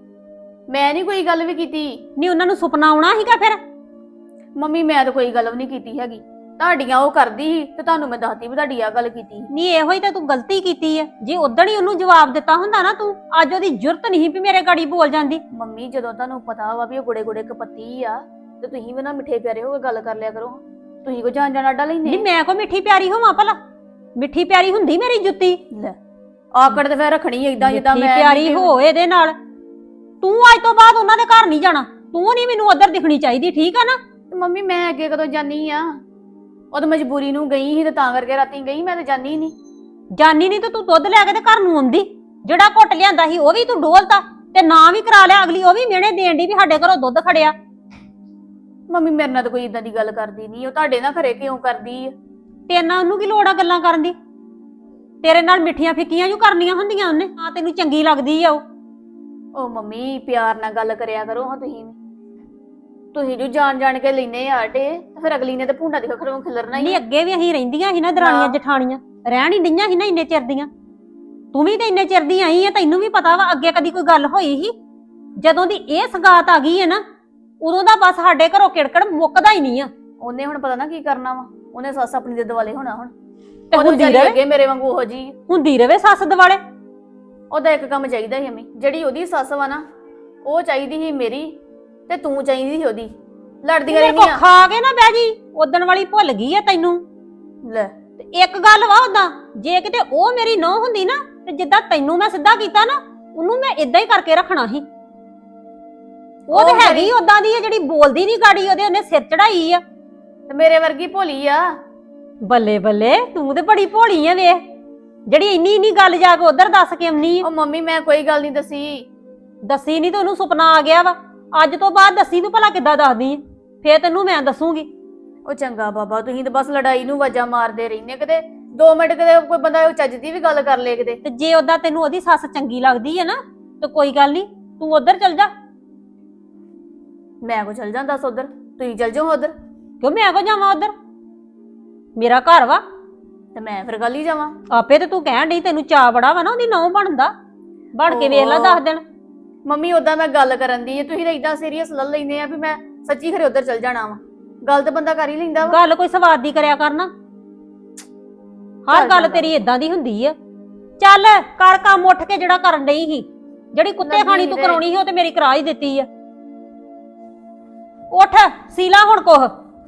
D: ਮੈਂ ਨਹੀਂ ਕੋਈ ਗੱਲ ਵੀ ਕੀਤੀ।
A: ਨਹੀਂ ਉਹਨਾਂ ਨੂੰ ਸੁਪਨਾ ਆਉਣਾ ਸੀਗਾ ਫਿਰ?
D: ਮੰਮੀ ਮੈਂ ਤਾਂ ਕੋਈ ਗੱਲ ਵੀ ਨਹੀਂ ਕੀਤੀ ਹੈਗੀ, ਤੁਹਾਡੀਆਂ ਉਹ ਕਰਦੀ ਸੀ ਤੇ ਤੁਹਾਨੂੰ ਮੈਂ ਦੱਸਤੀ ਵੀ ਤੁਹਾਡੀ ਆ ਗੱਲ ਕੀਤੀ।
A: ਨਹੀਂ ਇਹੋ ਹੀ ਤਾਂ ਤੂੰ ਗਲਤੀ ਕੀਤੀ ਹੈ। ਜੇ ਉਦਣ ਹੀ ਉਹਨੂੰ ਜਵਾਬ ਦਿੱਤਾ ਹੁੰਦਾ ਨਾ ਤੂੰ, ਅੱਜ ਉਹਦੀ ਜੁਰਤ ਨਹੀਂ ਵੀ ਮੇਰੇ ਗਾੜੀ ਬੋਲ ਜਾਂਦੀ।
D: ਮੰਮੀ ਜਦੋਂ ਤੁਹਾਨੂੰ ਪਤਾ ਵਾ ਵੀ ਉਹ ਗੁੜੇ ਗੁੜੇ ਕਪੱਤੀ ਆ ਤੇ ਤੁਸੀਂ ਵੀ ਨਾ ਮਿੱਠੇ ਪਿਆਰੇ ਹੋ ਕੇ ਗੱਲ ਕਰ ਲਿਆ ਕਰੋ। ਤੁਸੀਂ ਕੋ ਜਾਣ ਜਾਣ ਆਡਾ ਲੈਂਦੇ?
A: ਨਹੀਂ ਮੈਂ ਕੋ ਮਿੱਠੀ ਪਿਆਰੀ ਹੋਵਾਂ ਭਲਾ? ਮਿੱਠੀ ਪਿਆਰੀ ਹੁੰਦੀ ਮੇਰੀ ਜੁੱਤੀ?
D: ਲੈ ਆਕੜ ਤੇ ਫਿਰ ਰੱਖਣੀ ਏਦਾਂ ਜਿੱਦਾਂ ਮੈਂ
A: ਪਿਆਰੀ ਹੋ ਇਹਦੇ ਨਾਲ। ਤੂੰ ਅੱਜ ਤੋਂ ਬਾਅਦ ਉਹਨਾਂ ਦੇ ਘਰ ਨਹੀਂ ਜਾਣਾ, ਤੂੰ ਨਹੀਂ ਮੈਨੂੰ ਉਧਰ ਦਿਖਣੀ ਚਾਹੀਦੀ, ਠੀਕ ਆ ਨਾ?
D: ਮੰਮੀ ਮੈਂ ਅੱਗੇ ਕਦੋਂ ਜਾਨੀ ਆ? ਉਹ ਤਾਂ ਮਜਬੂਰੀ ਨੂੰ ਗਈ ਸੀ ਤੇ ਤਾਂ ਕਰਕੇ ਰਾਤੀ ਗਈ, ਮੈਂ ਤਾਂ ਜਾਨੀ ਨਹੀਂ।
A: ਜਾਨੀ ਨਹੀਂ ਤੇ ਤੂੰ ਦੁੱਧ ਲੈ ਕੇ ਤੇ ਘਰ ਨੂੰ ਆਉਂਦੀ। ਜਿਹੜਾ ਘੁੱਟ ਲਿਆਂਦਾ ਸੀ ਉਹ ਵੀ ਤੂੰ ਡੋਲਤਾ ਤੇ ਨਾ ਵੀ ਕਰਾ ਲਿਆ। ਅਗਲੀ ਉਹ ਵੀ ਮਿਹਣੇ ਦੇਣ ਦੀ ਵੀ ਸਾਡੇ ਘਰੋਂ ਦੁੱਧ ਖੜਿਆ।
D: ਮੰਮੀ ਮੇਰੇ ਨਾਲ ਤਾਂ ਕੋਈ ਇਦਾਂ ਦੀ ਗੱਲ ਕਰਦੀ ਨਹੀਂ, ਉਹ ਤੁਹਾਡੇ ਨਾਲ ਖਰੇ ਕਿਉਂ ਕਰਦੀ ਆ?
A: ਤੇਰੇ ਨਾਲ ਉਹਨੂੰ ਕੀ ਲੋੜ ਆ ਗੱਲਾਂ ਕਰਨ ਦੀ? ਤੇਰੇ ਨਾਲ ਮਿੱਠੀਆਂ ਫਿੱਕੀਆਂ ਜੂ ਕਰਨੀਆਂ ਹੁੰਦੀਆਂ ਉਹਨੇ। ਆ ਤੈਨੂੰ ਚੰਗੀ ਲੱਗਦੀ ਆ
D: ਉਹ ਮੰਮੀ ਪਿਆਰ ਨਾਲ ਗੱਲ ਕਰਿਆ ਕਰੋ ਹਾਂ ਤੁਸੀਂ ਜੋ ਜਾਣ ਜਾਣ ਕੇ ਲੈਨੇ ਆਟੇ ਤੇ ਫਿਰ ਅਗਲੀ ਨੇ ਤੇ ਭੁੰਡਾ ਦੀ ਖਖਰੋਂ ਖਿਲਰਨਾ ਹੀ।
A: ਨਹੀਂ ਅੱਗੇ ਵੀ ਅਸੀਂ ਰਹਿੰਦੀਆਂ ਸੀ ਨਾ ਦਰਾਣੀਆਂ ਜਠਾਣੀਆਂ, ਰਹਿਣ ਹੀ ਡਈਆਂ ਸੀ ਨਾ ਇੰਨੇ ਚਿਰ ਦੀਆਂ। ਤੂੰ ਵੀ ਤੇ ਇੰਨੇ ਚਿਰ ਦੀ ਆਈ ਆ, ਤੈਨੂੰ ਵੀ ਪਤਾ ਵਾ ਅੱਗੇ ਕਦੀ ਕੋਈ ਗੱਲ ਹੋਈ ਸੀ? ਜਦੋਂ ਦੀ ਇਹ ਸਗਾਤ ਆ ਗਈ ਹੈ ਨਾ ਉਦੋਂ ਦਾ ਬਸ ਸਾਡੇ ਘਰੋਂ ਕਿੜਕੜ ਮੁੱਕਦਾ ਹੀ ਨਹੀਂ ਆ।
D: ਉਹਨੇ ਹੁਣ ਪਤਾ ਨਾ ਕੀ ਕਰਨਾ ਵਾ, ਉਹਨੇ ਸੱਸ ਆਪਣੀ ਦੇ ਦੁਆਲੇ ਹੋਣਾ ਹੁਣ।
A: ਤੇ ਹੁੰਦੀ ਰਹੇ
D: ਅੱਗੇ ਮੇਰੇ ਵਾਂਗੂ ਉਹੋ ਜੀ
A: ਹੁੰਦੀ ਰਵੇ ਸੱਸ ਦੁਆਲੇ।
D: ਉਹਦਾ ਇੱਕ ਕੰਮ ਚਾਹੀਦਾ ਸੀ ਅਮੀ, ਜਿਹੜੀ ਉਹਦੀ ਸੱਸ ਵਾ ਨਾ ਉਹ ਚਾਹੀਦੀ ਸੀ ਮੇਰੀ ਤੇ ਤੂੰ ਚਾਹੀਦੀ ਸੀ ਉਹਦੀ। ਲੜਦੀਆਂ ਰਹਿੰਦੀਆਂ।
A: ਖਾ ਕੇ ਨਾ ਬਹਿ ਜੀ, ਉਦਣ ਵਾਲੀ ਭੁੱਲ ਗਈ ਆ ਤੈਨੂੰ।
D: ਲੈ
A: ਤੇ ਇੱਕ ਗੱਲ ਵਾ ਉਦਾਂ, ਜੇ ਕਿਤੇ ਉਹ ਮੇਰੀ ਨੌਂ ਹੁੰਦੀ ਨਾ ਤੇ ਜਿੱਦਾਂ ਤੈਨੂੰ ਮੈਂ ਸਿੱਧਾ ਕੀਤਾ ਨਾ ਉਹਨੂੰ ਮੈਂ ਇਦਾਂ ਹੀ ਕਰਕੇ ਰੱਖਣਾ ਸੀ। ਉਹ ਤੇ ਹੈਗੀ ਉਦਾਂ ਦੀ ਆ ਜਿਹੜੀ ਬੋਲਦੀ ਨਹੀਂ ਗਾੜੀ, ਉਹਨੇ ਸਿਰ ਚੜਾਈ ਆ।
D: ਤੇ ਮੇਰੇ ਵਰਗੀ ਭੋਲੀ ਆ।
A: ਬੱਲੇ ਬੱਲੇ, ਤੂੰ ਤੇ ਬੜੀ ਭੋਲੀ ਆ ਵੇਖ, ਜਿਹੜੀ ਇੰਨੀ ਇੰਨੀ ਗੱਲ ਜਾ ਕੇ ਉਧਰ ਦੱਸ ਕੇ ਆਉਣੀ ਆ।
D: ਉਹ ਮੰਮੀ ਮੈਂ ਕੋਈ ਗੱਲ ਨਹੀਂ
A: ਦੱਸੀ ਨਹੀਂ ਤੇ ਉਹਨੂੰ ਸੁਪਨਾ ਆ ਗਿਆ ਵਾ। ਅੱਜ ਤੋਂ ਬਾਅਦ ਦੱਸੀ ਤੂੰ ਭਲਾ ਕਿੱਦਾਂ ਦੱਸਦੀ ਆ? ਫੇਰ ਤੈਨੂੰ ਮੈਂ ਦੱਸੂਗੀ।
D: ਉਹ ਚੰਗਾ ਬਾਬਾ, ਤੁਸੀਂ ਤਾਂ ਬਸ ਲੜਾਈ ਨੂੰ ਵਾਜਾ ਮਾਰਦੇ ਰਹਿੰਦੇ, ਕਿਤੇ 2 ਮਿੰਟ ਕਿਤੇ ਕੋਈ ਬੰਦਾ ਚੱਜ ਦੀ ਵੀ ਗੱਲ ਕਰ ਲੇ ਕਿਤੇ।
A: ਤੇ ਜੇ ਓਦਾਂ ਤੈਨੂੰ ਉਹਦੀ ਸੱਸ ਚੰਗੀ ਲੱਗਦੀ ਹੈ ਨਾ ਤੇ ਕੋਈ ਗੱਲ ਨਹੀਂ, ਤੂੰ ਉਧਰ ਚਲ ਜਾ।
D: ਮੈਂ ਕੋ ਚਲ ਜਾਂਦਾ ਦੱਸ ਉਧਰ, ਤੁਸੀਂ ਚਲ ਜਾਓ ਉਧਰ।
A: ਕਿਉਂ ਮੈਂ ਕੋ ਜਾਵਾਂ ਉਧਰ? ਮੇਰਾ ਘਰ ਵਾ।
D: ਤੇ ਮੈਂ ਫਿਰ ਗੱਲ ਹੀ ਜਾਵਾਂ।
A: ਆਪੇ ਤੇ ਤੂੰ ਕਹਿਣ ਡਈ ਤੈਨੂੰ ਚਾਅ ਬੜਾ ਵਾ ਨਾ ਉਹਦੀ ਨਹੁੰ ਬਣਦਾ, ਬਣ ਕੇ ਵੇਖ ਲੈ 10 ਦਿਨ।
D: ਮੰਮੀ ਉਦਾਂ ਮੈਂ ਗੱਲ ਕਰਨ ਦੀ ਤੁਸੀਂ ਤਾਂ ਇਦਾਂ ਸੀਰੀਅਸ ਲੈ ਲੈਂਦੇ ਆ ਵੀ ਮੈਂ ਸੱਚੀ ਖਰੇ ਉਧਰ ਚਲ ਜਾਣਾ ਵਾ। ਗੱਲ ਤਾਂ ਬੰਦਾ ਕਰ ਹੀ ਲੈਂਦਾ ਵਾ।
A: ਗੱਲ ਕੋਈ ਸਵਾਦ ਦੀ ਕਰਿਆ ਕਰਨਾ, ਹਰ ਗੱਲ ਤੇਰੀ ਇਦਾਂ ਦੀ ਹੁੰਦੀ ਆ। ਚੱਲ ਕਰ ਕੰਮ ਉੱਠ ਕੇ ਜਿਹੜਾ ਕਰਨ ਡਈ ਸੀ, ਜਿਹੜੀ ਕੁੱਤੇ ਖਾਣੀ ਤੂੰ ਕਰਾਉਣੀ ਸੀ ਉਹ ਤੇ ਮੇਰੀ ਕਰਾ ਹੀ ਦਿੱਤੀ ਆ। ਉੱਠ ਸੀਲਾ ਹੁਣ ਕੁਛ।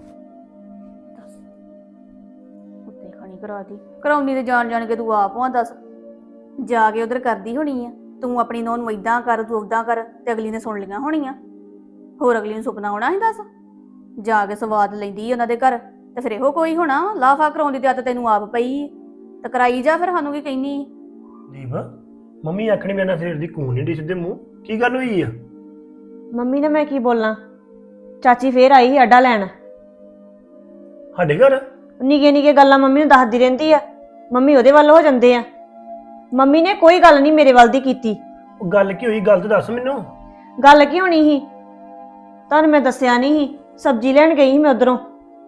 D: ਕੁੱਤੇ ਖਾਣੀ ਕਰਾਤੀ, ਕਰਾਉਣੀ ਤੇ ਜਾਣ ਜਾਣ ਕੇ ਤੂੰ ਆਪ ਆ। ਦੱਸ ਜਾ ਕੇ ਉਧਰ ਕਰਦੀ ਹੋਣੀ ਆ ਤੂੰ ਆਪਣੀ ਨੂੰਹ ਨੂੰ ਇਦਾਂ ਕਰ ਤੂੰ ਉਦਾਂ ਕਰ, ਤੇ ਅਗਲੀ ਨੇ ਸੁਣ ਲਈਆਂ ਹੋਣੀਆਂ। ਹੋਰ ਅਗਲੀ ਨੂੰ ਸੁਪਨਾ ਆਉਣਾ ਸੀ। ਦੱਸ ਜਾ ਕੇ ਸਵਾਦ ਲੈਂਦੀ ਉਹਨਾਂ ਦੇ ਘਰ, ਤੇ ਫਿਰ ਇਹੋ ਕੋਈ ਹੋਣਾ ਲਾਫਾ ਕਰਾਉਂਦੀ ਤੇ ਤੈਨੂੰ ਆਪ ਪਈ ਤੇ ਕਰਾਈ ਜਾ। ਫਿਰ ਸਾਨੂੰ ਕੀ ਕਹਿਨੀ?
E: ਦੀਪ ਮੰਮੀ ਆਖਣੀ ਮੇਰੇ ਨਾਲ ਸਵੇਰ ਦੀ ਕੂਣ ਨਹੀਂ ਡੀ ਸਿੱਧੇ ਮੂੰਹ, ਕੀ ਗੱਲ ਹੋਈ ਆ?
C: ਮੰਮੀ ਨੇ ਮੈਂ ਕੀ ਬੋਲਾਂ, ਚਾਚੀ ਫੇਰ ਆਈ ਸੀ ਅੱਡਾ ਲੈਣ।
E: ਸਾਡੇ ਘਰ
C: ਨਿੱਕੇ ਨਿੱਕੇ ਗੱਲਾਂ ਮੰਮੀ ਨੂੰ ਦੱਸਦੀ ਰਹਿੰਦੀ ਆ, ਮੰਮੀ ਉਹਦੇ ਵੱਲ ਹੋ ਜਾਂਦੇ ਆ। ਮੰਮੀ ਨੇ ਕੋਈ ਗੱਲ ਨਹੀਂ ਮੇਰੇ ਵੱਲ ਦੀ ਕੀਤੀ।
E: ਉਹ ਗੱਲ ਕੀ ਹੋਈ, ਗੱਲ ਤਾਂ ਦੱਸ ਮੈਨੂੰ।
C: ਗੱਲ ਕੀ ਹੋਣੀ ਸੀ, ਤੁਹਾਨੂੰ ਮੈਂ ਦੱਸਿਆ ਨਹੀਂ ਸੀ, ਸਬਜ਼ੀ ਲੈਣ ਗਈ ਸੀ ਮੈਂ ਉਧਰੋਂ।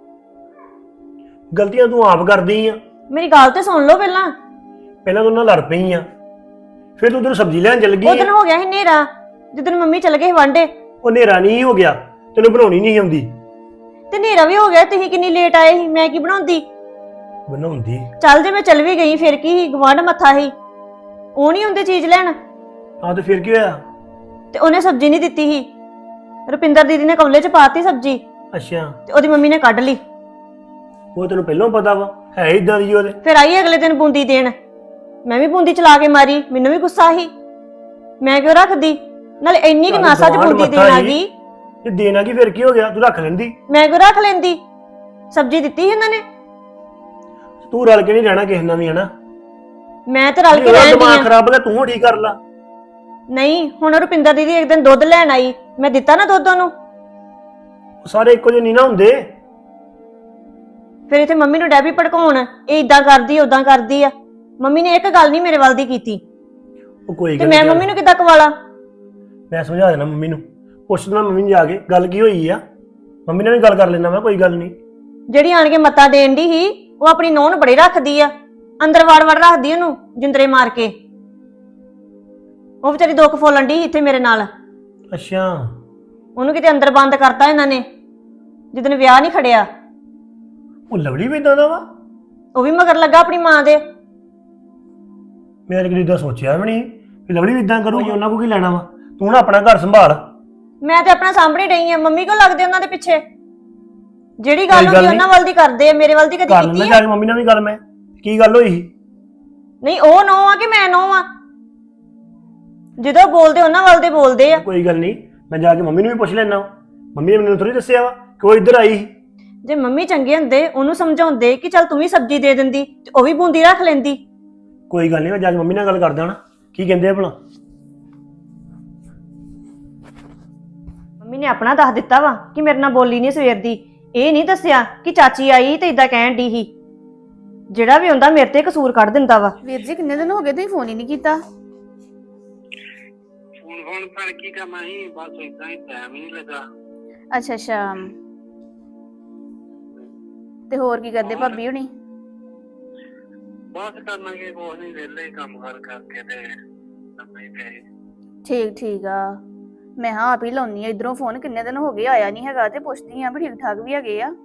E: ਗਲਤੀਆਂ ਤੂੰ ਆਪ ਕਰਦੀ ਆ।
C: ਮੇਰੀ ਗੱਲ ਤੇ ਸੁਣ ਲਓ ਪਹਿਲਾਂ।
E: ਪਹਿਲਾਂ ਤੂੰ ਨਾਲ ਲੜ ਪਈ ਆ, ਫਿਰ ਤੂੰ ਉਧਰ ਸਬਜ਼ੀ ਲੈਣ ਚੱਲ ਗਈ
C: ਉਹ ਦਿਨ ਹੋ ਗਿਆ ਸੀ ਹਨੇਰਾ, ਜਿੱਦਣ ਮੰਮੀ ਚਲ ਗਏ ਸੀ ਵਾਂਢੇ।
E: ਉਹ ਹਨੇਰਾ ਨਹੀਂ ਹੋ ਗਿਆ, ਤੈਨੂੰ ਬਣਾਉਣੀ ਨਹੀਂ ਆਉਂਦੀ।
C: ਤੇ ਹਨੇਰਾ ਵੀ ਹੋ ਗਿਆ, ਤੁਸੀਂ ਕਿੰਨੀ ਲੇਟ ਆਏ ਸੀ, ਮੈਂ ਕੀ ਬਣਾਉਂਦੀ?
E: ਬਣਾਉਂਦੀ
C: ਚੱਲ ਜੇ ਮੈਂ ਚੱਲ ਵੀ ਗਈ ਫਿਰ ਕੀ ਸੀ, ਗਵਾਂਢ ਮੱਥਾ ਸੀ, ਉਹ ਨਹੀਂ ਹੁੰਦੇ ਚੀਜ਼ ਲੈਣ।
E: ਆ ਤੇ ਫਿਰ ਕੀ ਹੋਇਆ?
C: ਤੇ ਉਹਨੇ ਸਬਜ਼ੀ ਨਹੀਂ ਦਿੱਤੀ ਸੀ, ਰੁਪਿੰਦਰ ਦੀਦੀ ਨੇ ਕੌਲੇ 'ਚ ਪਾਤੀ ਸਬਜ਼ੀ,
E: ਅੱਛਾ
C: ਤੇ ਉਹਦੀ ਮੰਮੀ ਨੇ ਕੱਢ ਲਈ।
E: ਉਹ ਤੈਨੂੰ ਪਹਿਲਾਂ ਪਤਾ ਵਾ, ਹੈ ਇਦਾਂ ਦੀ ਉਹਦੇ।
C: ਫਿਰ ਆਈ ਅਗਲੇ ਦਿਨ ਬੂੰਦੀ ਦੇਣ, ਮੈਂ ਵੀ ਬੂੰਦੀ ਚਲਾ ਕੇ ਮਾਰੀ, ਮੈਨੂੰ ਵੀ ਗੁੱਸਾ ਸੀ, ਮੈਂ ਕਿਉਂ ਰੱਖਦੀ? ਨਾਲੇ ਇੰਨੀ ਕਿ ਨਾਸਾ 'ਚ ਬੂੰਦੀ ਦੇਣ ਆ ਗਈ।
E: ਜੇ ਦੇਣਾ ਕੀ ਫਿਰ ਕੀ ਹੋ ਗਿਆ, ਤੂੰ ਰੱਖ ਲੈਂਦੀ।
C: ਮੈਂ ਕਿਉਂ ਰੱਖ ਲੈਂਦੀ, ਸਬਜ਼ੀ ਦਿੱਤੀ ਸੀ ਇਹਨਾਂ ਨੇ।
E: ਤੂੰ ਰਲ ਕੇ ਨਹੀਂ ਰਹਿਣਾ ਕਿਸੇ ਨਾਲ ਵੀ, ਹਨਾ?
C: ਮੈਂ ਤੇ ਰਲ ਕੇ
E: ਉਹਦਾ
C: ਰਹਿੰਦੀ
E: ਦਿਮਾਗ
C: ਆ।
E: ਖਰਾਬ ਹੋ ਤੂੰ ਠੀਕ ਕਰ ਲਾ।
C: ਨਹੀਂ ਹੁਣ ਰੁਪਿੰਦਰ ਦੀਦੀ ਇੱਕ ਦਿਨ ਦੁੱਧ ਲੈਣ ਆਈ, ਮੈਂ ਦਿੱਤਾ ਨਾ ਦੁੱਧ ਉਹਨੂੰ।
E: ਉਹ ਸਾਰੇ ਇੱਕੋ ਜਿਹੇ ਨਹੀਂ ਨਾ ਹੁੰਦੇ।
C: ਫਿਰ ਇੱਥੇ ਮੰਮੀ ਨੂੰ ਡੈਬੀ ਭੜਕਾਉਣ, ਇਹ ਇਦਾਂ ਕਰਦੀ ਉਦਾਂ ਕਰਦੀ ਆ। ਮੰਮੀ ਨੇ ਇੱਕ ਗੱਲ ਨਹੀਂ ਮੇਰੇ ਵੱਲ ਦੀ ਕੀਤੀ,
E: ਉਹ ਕੋਈ
C: ਤੇ
E: ਗੱਲ
C: ਮੈਂ
E: ਨੀ,
C: ਮੰਮੀ ਨੂੰ ਕਿੱਦਾਂ ਕਵਾਲਾ?
E: ਮੈਂ ਸਮਝਾ ਦੇਣਾ ਮੰਮੀ ਨੂੰ, ਪੁੱਛ ਦੇਣਾ ਮੰਮੀ ਨੂੰ ਜਾ ਕੇ ਗੱਲ ਕੀ ਹੋਈ ਆ। ਮੰਮੀ ਨਾਲ ਵੀ ਗੱਲ ਕਰ ਲੈਣਾ ਮੈਂ, ਕੋਈ ਗੱਲ ਨਹੀਂ।
C: ਜਿਹੜੀ ਆਣ ਕੇ ਮੱਤਾ ਦੇਣ ਦੀ ਸੀ, ਉਹ ਆਪਣੀ ਨੂੰਹ ਨੂੰ ਬੜੀ ਰੱਖਦੀ ਆ, ਅੰਦਰ ਵੜ ਵੜ ਰੱਖਦੀ ਉਹਨੂੰ ਜਿੰਦਰੇ ਮਾਰ ਕੇ। ਉਹ ਵਿਚਾਰੀ ਦੁੱਖ ਫੋਲਣ ਦੀ ਇੱਥੇ ਮੇਰੇ ਨਾਲ।
E: ਅੱਛਾ
C: ਉਹਨੂੰ ਕਿਤੇ ਅੰਦਰ ਬੰਦ ਕਰਤਾ ਇਹਨਾਂ ਨੇ ਜਿੱਦਣ ਵਿਆਹ ਨਹੀਂ ਖੜਿਆ।
E: ਉਹ ਲਵਲੀ ਵੀ ਇਦਾਂ ਦਾ ਵਾ?
C: ਉਹ ਵੀ ਮਗਰ ਲੱਗਾ ਆਪਣੀ ਮਾਂ ਦੇ।
E: ਮੈਂ ਤਾਂ ਕਦੀ ਇਦਾਂ ਸੋਚਿਆ ਵੀ ਨਹੀਂ ਵੀ ਲਵਲੀ ਵੀ ਇਦਾਂ ਕਰੂਗੀ, ਉਹਨਾਂ ਕੋਲ ਕੀ ਲੈਣਾ ਵਾ। ਤੂੰ ਨਾ ਆਪਣਾ ਘਰ ਸੰਭਾਲ।
C: ਮੈਂ ਤੇ ਆਪਣਾ ਸਾਹਮਣੇ ਡਈ ਆ, ਮੰਮੀ ਕੋਲ ਲੱਗਦੇ ਉਹਨਾਂ ਦੇ ਪਿੱਛੇ। ਜਿਹੜੀ ਗੱਲ
E: ਕੋਈ ਗੱਲ
C: ਹੁੰਦੀ
E: ਨੀ।
C: ਉਹਨਾਂ ਵੱਲ ਦੀ ਕਰਦੇ ਆ, ਮੇਰੇ ਵੱਲ ਦੀ ਕਦੀ
E: ਕਰ ਲੈਣਾ
C: ਕੀਤੀ
E: ਜਾ
C: ਆ?
E: ਕੇ ਮੰਮੀ ਨਾਲ ਵੀ ਗੱਲ। ਮੈਂ ਕੀ ਗੱਲ ਹੋਈ ਸੀ?
C: ਨਹੀਂ ਉਹ ਨੋ ਆ ਕਿ ਮੈਂ ਨੋ ਆ? ਜਦੋਂ ਬੋਲਦੇ ਉਹਨਾਂ ਵੱਲ ਦੇ ਬੋਲਦੇ ਆ।
E: ਕੋਈ ਗੱਲ ਨਹੀਂ, ਮੈਂ ਜਾ ਕੇ ਮੰਮੀ ਨੂੰ ਵੀ ਪੁੱਛ ਲੈਣਾ। ਮੰਮੀ ਨੇ ਮੈਨੂੰ ਥੋੜੀ ਦੱਸਿਆ ਵਾ ਕਿ ਉਹ ਇੱਧਰ ਆਈ ਸੀ।
C: ਜੇ ਮੰਮੀ ਚੰਗੇ ਹੁੰਦੇ ਉਹਨੂੰ ਸਮਝਾਉਂਦੇ ਕਿ ਚੱਲ ਤੂੰ ਵੀ ਸਬਜ਼ੀ ਦੇ ਦਿੰਦੀ, ਤੇ ਉਹ ਵੀ ਬੂੰਦੀ ਰੱਖ ਲੈਂਦੀ।
E: ਕੋਈ ਗੱਲ ਨਹੀਂ, ਮੈਂ ਜਾ ਕੇ ਮੰਮੀ ਨਾਲ ਗੱਲ ਕਰਦਾ ਨਾ, ਕੀ ਕਹਿੰਦੇ ਆ ਭਲਾ।
C: ਮੰਮੀ ਨੇ ਆਪਣਾ ਦੱਸ ਦਿੱਤਾ ਵਾ ਕਿ ਮੇਰੇ ਨਾਲ ਬੋਲੀ ਨਹੀਂ ਸਵੇਰ ਦੀ। ਇਹ ਨਹੀਂ ਦੱਸਿਆ ਕਿ ਚਾਚੀ ਆਈ ਤੇ ਇਦਾਂ ਕਹਿਣ ਦੀ ਸੀ। ਜਿਹੜਾ ਵੀ ਹੁੰਦਾ ਮੇਰੇ ਤੇ ਕਸੂਰ ਕੱਢ ਦਿੰਦਾ ਵਾ।
D: ਵੀਰ ਜੀ ਕਿੰਨੇ ਦਿਨ ਹੋ ਗਏ ਤੁਸੀਂ ਫੋਨ ਹੀ ਨਹੀਂ ਕੀਤਾ?
F: ਫੋਨ ਪਰ ਕੀ ਕਰਨਾ ਸੀ, ਬਸ ਇਦਾਂ ਹੀ ਟਾਈਮ ਹੀ ਨਹੀਂ ਲੱਗਾ।
D: ਅੱਛਾ ਅੱਛਾ, ਤੇ ਹੋਰ ਕੀ ਕਰਦੇ ਭਾਬੀ ਹੁਣੀ?
F: ਬਸ ਕਰਨਾਂਗੇ ਕੁਛ ਨਹੀਂ, ਵਿਹਲੇ ਕੰਮ ਕਰ ਕਰਕੇ ਤੇ ਲੱਭੇ ਪਏ।
D: ਠੀਕ ਠੀਕ ਆ। ਮੈਂ ਹਾਂ ਆਪ ਹੀ ਲਾਉਣੀ ਆ ਇਧਰੋਂ ਫੋਨ, ਕਿੰਨੇ ਦਿਨ ਹੋ ਗਏ ਆਇਆ ਨਹੀਂ ਹੈਗਾ, ਤੇ ਪੁੱਛਦੀ ਆ ਵੀ ਠੀਕ ਠਾਕ ਵੀ ਹੈਗੇ ਆ।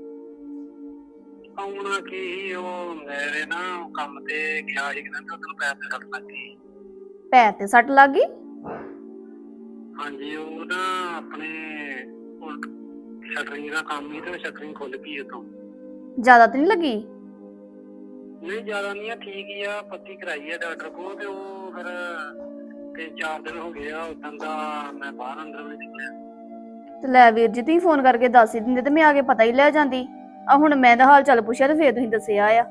F: ਆਉਣਾ ਕੀ, ਉਹ ਮੇਰੇ ਨਾ ਕੰਮ ਤੇ ਗਿਆ ਸੀ, ਕਹਿੰਦਾ ਉਧਰ ਪੈਸੇ ਸੱਟ ਲੱਗੀ।
D: ਪੈਰ ਤੇ ਸੱਟ ਲੱਗ ਗਈ?
F: ਹਾਂਜੀ, ਉਹ ਨਾ ਆਪਣੇ ਸ਼ਟਰਿੰਗ ਦਾ ਕੰਮ ਹੀ, ਤੇ ਸ਼ਟਰਿੰਗ ਖੁੱਲ ਗਈ ਉਤੋਂ।
D: ਜ਼ਿਆਦਾ ਤਾਂ ਨਹੀਂ ਲੱਗੀ?
F: ਨਹੀਂ ਜ਼ਿਆਦਾ ਨਹੀਂ ਆ, ਠੀਕ ਹੀ ਆ, ਪੱਤੀ ਕਰਾਈ ਆ ਡਾਕਟਰ ਕੋਲ, ਤੇ ਉਹ ਫਿਰ 3-4 ਦਿਨ ਹੋ ਗਏ ਆ ਉਦੋਂ ਦਾ ਮੈਂ ਬਾਹਰ ਅੰਦਰ ਵੀ ਨਿਕਲਿਆ।
D: ਤੇ ਲੈ ਵੀਰ ਜੀ ਤੁਸੀਂ ਫੋਨ ਕਰਕੇ ਦੱਸ ਹੀ ਦਿੰਦੇ ਤੇ ਮੈਂ ਆ ਕੇ ਪਤਾ ਹੀ ਲੈ ਜਾਂਦੀ। ਆ ਹੁਣ ਮੈਂ ਦਾ ਹਾਲ ਚਾਲ ਪੁੱਛਿਆ ਤੇ ਫੇਰ ਤੁਸੀਂ ਦੱਸਿਆ ਆ।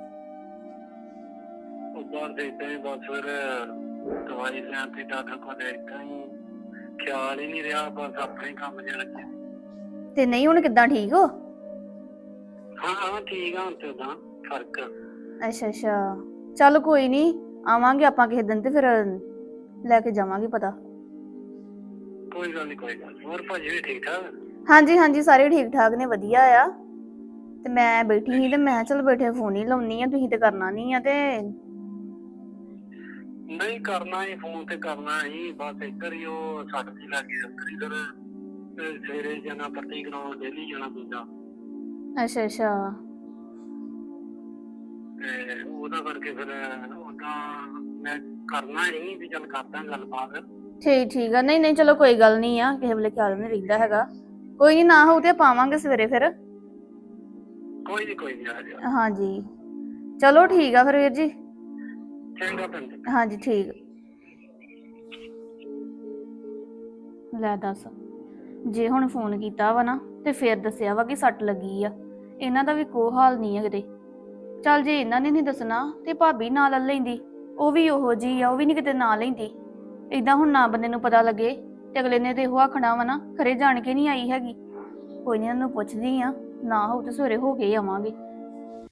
F: ਉਹ ਬਾਹਰ ਦੇ ਏਦਾਂ ਹੀ ਬਸ ਫਿਰ ਦਵਾਈ ਲੈਣ ਤੇ ਡਾਕਟਰ ਕੋਲ ਏਦਾਂ ਹੀ ਖਿਆਲ ਹੀ ਨਹੀਂ ਰਿਹਾ, ਬਸ ਆਪਣੇ ਕੰਮ 'ਚ ਲੱਗੇ।
D: ਤੇ ਨਹੀਂ ਹੁਣ ਕਿੱਦਾਂ ਠੀਕ ਹੋ?
F: ਹਾਂ ਹਾਂ ਠੀਕ ਆ, ਹੁਣ ਤੇ ਉਦਾਂ ਫਰਕ।
D: ਅੱਛਾ ਅੱਛਾ, ਚੱਲ ਕੋਈ ਨਹੀਂ, ਆਵਾਂਗੇ ਆਪਾਂ ਕਿਸੇ ਦਿਨ ਤੇ ਫਿਰ ਲੈ ਕੇ ਜਾਵਾਂਗੇ ਪਤਾ।
F: ਕੋਈ ਗੱਲ ਨਹੀਂ ਕੋਈ ਗੱਲ ਨੀ। ਹੋਰ ਭਾਜੀ ਵੀ ਠੀਕ ਠਾਕ?
D: ਹਾਂਜੀ ਹਾਂਜੀ, ਸਾਰੇ ਠੀਕ ਠਾਕ ਨੇ, ਵਧੀਆ ਆ। ਤੇ ਮੈਂ ਬੈਠੀ ਸੀ ਤੇ ਮੈਂ ਕਿਹਾ ਚੱਲ ਬੈਠੇ ਫੋਨ ਹੀ ਲਾਉਣੀ ਆ, ਤੁਸੀਂ ਤੇ ਕਰਨਾ ਨਹੀਂ ਆ ਤੇ
F: ਨਹੀਂ ਕਰਨਾ ਹੀ, ਫੋਨ ਤੇ ਕਰਨਾ ਹੀ, ਬਸ ਇੱਧਰ ਹੀ ਉਹ ਸੱਟ ਦੀ ਲੱਗੀ ਅੰਦਰ ਇਧਰ ਸਵੇਰੇ ਜਾਣਾ ਪੱਟੀ ਕਰਾਉਣ, ਡੇਲੀ ਜਾਣਾ ਪੈਂਦਾ
D: ਅੱਛਾ ਅੱਛਾ।
F: ਤੇ ਉਹਦਾ ਕਰਕੇ ਫਿਰ ਉਹਦਾ ਮੈਂ ਕਰਨਾ ਹੀ ਵੀ ਚੱਲ ਕਰਦਾ ਗੱਲਬਾਤ।
D: ਠੀਕ ਠੀਕ ਆ, ਨਹੀਂ ਨਹੀਂ ਚਲੋ ਕੋਈ ਗੱਲ ਨਹੀਂ ਆ, ਕਿਸੇ ਵੇਲੇ ਖਿਆਲ ਨਹੀਂ ਰਹਿੰਦਾ ਹੈਗਾ। ਕੋਈ ਨਹੀਂ, ਨਾ ਹੋਊ ਤੇ ਪਾਵਾਂਗੇ ਸਵੇਰੇ ਫਿਰ।
F: ਕੋਈ ਨੀ ਕੋਈ ਨੀ, ਆ ਜਾ।
D: ਹਾਂਜੀ ਚਲੋ ਠੀਕ ਆ ਫਿਰ ਵੀਰ ਜੀ।
F: ਚੰਗਾ ਭੈਣ ਜੀ।
D: ਹਾਂਜੀ ਠੀਕ। ਲੈ ਦੱਸ, ਜੇ ਹੁਣ ਫੋਨ ਕੀਤਾ ਵਾ ਨਾ ਤੇ ਫੇਰ ਦੱਸਿਆ ਵਾ ਕਿ ਸੱਟ ਲੱਗੀ ਆ, ਇਹਨਾਂ ਦਾ ਵੀ ਕੋਈ ਹਾਲ ਨਹੀਂ ਹੈ ਕਿਤੇ। ਚੱਲ ਜੇ ਇਹਨਾਂ ਨੇ ਨਹੀਂ ਦੱਸਣਾ ਤੇ ਭਾਬੀ ਨਾਲ ਲੈ ਲੈਂਦੀ, ਉਹ ਵੀ ਉਹੋ ਜੀ ਆ, ਉਹ ਵੀ ਨਹੀਂ ਕਿਤੇ ਨਾ ਲੈਂਦੀ। ਏਦਾਂ ਹੁਣ ਨਾ ਬੰਦੇ ਨੂੰ ਪਤਾ ਲੱਗੇ ਤੇ ਅਗਲੇ ਨੇ ਤੇ ਇਹੋ ਆਖਣਾ ਵਾ ਨਾ, ਖਰੇ ਜਾਣ ਕੇ ਨਹੀਂ ਆਈ ਹੈਗੀ। ਕੋਈ ਨਹੀਂ, ਇਹਨਾਂ ਨੂੰ ਪੁੱਛਦੀ ਆ, ਨਾ ਹੋਊ ਤੇ ਸਵੇਰੇ ਹੋ ਕੇ ਹੀ ਆਵਾਂਗੇ।